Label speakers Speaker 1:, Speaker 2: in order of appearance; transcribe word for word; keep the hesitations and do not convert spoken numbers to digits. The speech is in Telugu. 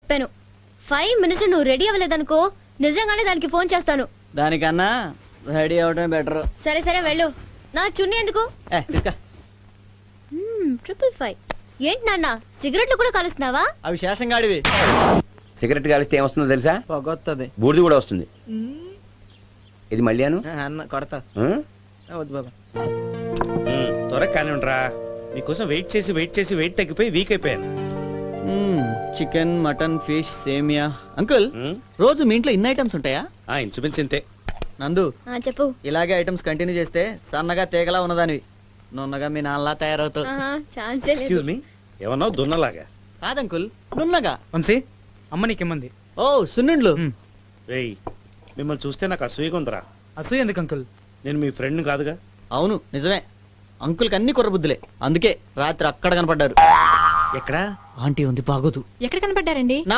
Speaker 1: చెప్పాను. ఫైవ్ మినిట్స్ నువ్వు రెడీ అవ్వలేదనుకో నిజంగానే దానికి ఫోన్ చేస్తాను.
Speaker 2: దానికన్నా రెడీ అవడమే బెటర్.
Speaker 1: సరే సరే వెళ్ళు. నా చున్నీ ఎందుకు? ట్రిపుల్ ఫైవ్ ఏంటి నాన్న సిగరెట్లు కూడా కలుస్తున్నావా?
Speaker 2: అవి శేషం గాడివి.
Speaker 3: సిగరెట్ కాలిస్తే ఏమొస్తుందో తెలుసా?
Speaker 2: పొగొత్తది.
Speaker 3: బూడిది కూడా వస్తుంది. ఇది మళ్ళీ అను
Speaker 2: అన్న కొడతా. వద్దు బాబా.
Speaker 4: త్వరగా కానీ ఉండరా, మీకోసం వెయిట్ చేసి వెయిట్ చేసి వెయిట్ తగ్గిపోయి వీక్ అయిపోయాను.
Speaker 2: చికెన్, మటన్, ఫిష్, సేమియా. అంకుల్ రోజు మీ ఇంట్లో ఇన్ని ఐటమ్స్ ఉంటాయా?
Speaker 4: ఇన్సూరెన్స్ ఇంతే.
Speaker 2: నందు
Speaker 1: ఆ, చెప్పు.
Speaker 2: ఇలాగే ఐటమ్స్ కంటిన్యూ చేస్తే సన్నగా తేగలా ఉన్నదానివి. నున్నగా మీ నాన్నలా తయారవుతావు.
Speaker 1: ఆహా, ఛాన్సే లేదు.
Speaker 4: ఎక్స్క్యూజ్ మీ, ఏమన్నావు? దున్నలాగా?
Speaker 2: కాదంకుల్, నున్నగా.
Speaker 5: వంశీ అమ్మ నీకేమంది?
Speaker 2: ఓ సున్నుండ్లు.
Speaker 4: రేయ్, మిమ్మల్ని చూస్తే నాకు అసూయగా ఉందిరా.
Speaker 5: అసూయ ఎందుకు అంకుల్?
Speaker 4: నేను మీ ఫ్రెండ్ కాదుగా.
Speaker 2: అవును నిజమే. అంకుల్కి అన్ని కుర్రబుద్దులే, అందుకే రాత్రి అక్కడ కనపడ్డారు.
Speaker 4: ఎక్కడా?
Speaker 2: ఆంటీ ఉంది బాగోదు.
Speaker 1: ఎక్కడ కనపడ్డారండి?